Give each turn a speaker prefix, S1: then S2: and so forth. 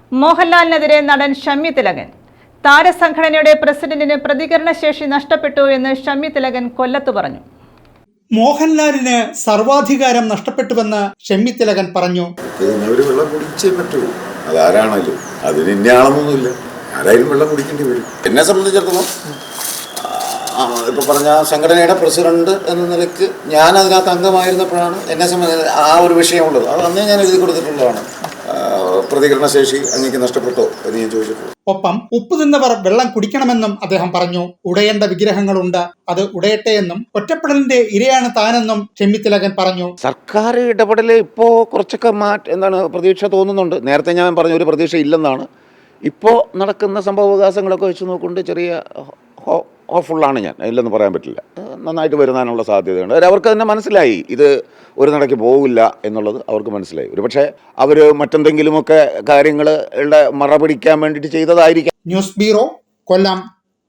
S1: മോഹൻലാലിനെതിരെ നടൻ ഷമ്മി തിലകൻ. താരസംഘടനയുടെ പ്രസിഡന്റിന് പ്രതികരണശേഷി നഷ്ടപ്പെട്ടു എന്ന് ഷമ്മി തിലകൻ കൊല്ലത്ത് പറഞ്ഞു.
S2: മോഹൻലാലിന് സർവാധികാരം നഷ്ടപ്പെട്ടുവെന്ന് ഷമ്മി തിലകൻ പറഞ്ഞു.
S3: വെള്ളം കുടിച്ചേ പറ്റൂ, അതാരാണല്ലോ, അതിന് ഇന്നയാളൊന്നുമില്ല, ആരായാലും വെള്ളം കുടിക്കേണ്ടി വരും. എന്നെ സംബന്ധിച്ചിടത്തോളം ഇപ്പൊ പറഞ്ഞ സംഘടനയുടെ പ്രസിഡന്റ് എന്ന നിലയ്ക്ക് ഞാൻ അതിനകത്ത് അംഗമായിരുന്നപ്പോഴാണ് എന്നെ സംബന്ധിച്ച് ആ ഒരു വിഷയമുള്ളത്. അത് അന്നേ ഞാൻ എഴുതി കൊടുത്തിട്ടുള്ളതാണ്. പ്രതികരണശേഷി അങ്ങേക്ക് നഷ്ടപ്പെട്ടോ എന്ന് ഞാൻ ചോദിച്ചിട്ടുള്ളൂ.
S2: ഒപ്പം ഉപ്പ് തിന്നവർ വെള്ളം കുടിക്കണമെന്നും അദ്ദേഹം പറഞ്ഞു. ഉടയേണ്ട വിഗ്രഹങ്ങളുണ്ട്, അത് ഉടയട്ടെ എന്നും ഒറ്റപ്പെടലിന്റെ ഇരയാണ് താനെന്നും ഷമ്മി തിലകൻ പറഞ്ഞു.
S4: സർക്കാർ ഇടപെടൽ ഇപ്പോൾ കുറച്ചൊക്കെ പ്രതീക്ഷ തോന്നുന്നുണ്ട്. നേരത്തെ ഞാൻ പറഞ്ഞ ഒരു പ്രതീക്ഷ ഇല്ലെന്നാണ്. ഇപ്പോൾ നടക്കുന്ന സംഭവവികാസങ്ങളൊക്കെ വെച്ച് നോക്കുകൊണ്ട് ചെറിയ ഹോപ്പ്ഫുള്ളാണ് ഞാൻ, ഇല്ലെന്ന് പറയാൻ പറ്റില്ല. നന്നായിട്ട് വരുന്നതിനുള്ള സാധ്യതയുണ്ട്. അവർക്ക് തന്നെ മനസ്സിലായി ഇത് ഒരു നടക്ക് പോകില്ല എന്നുള്ളത് അവർക്ക് മനസ്സിലായി. ഒരു പക്ഷേ അവർ മറ്റെന്തെങ്കിലുമൊക്കെ കാര്യങ്ങളുടെ മറ പിടിക്കാൻ വേണ്ടിയിട്ട് ചെയ്തതായിരിക്കാം.
S2: ന്യൂസ് ബ്യൂറോ, കൊല്ലം.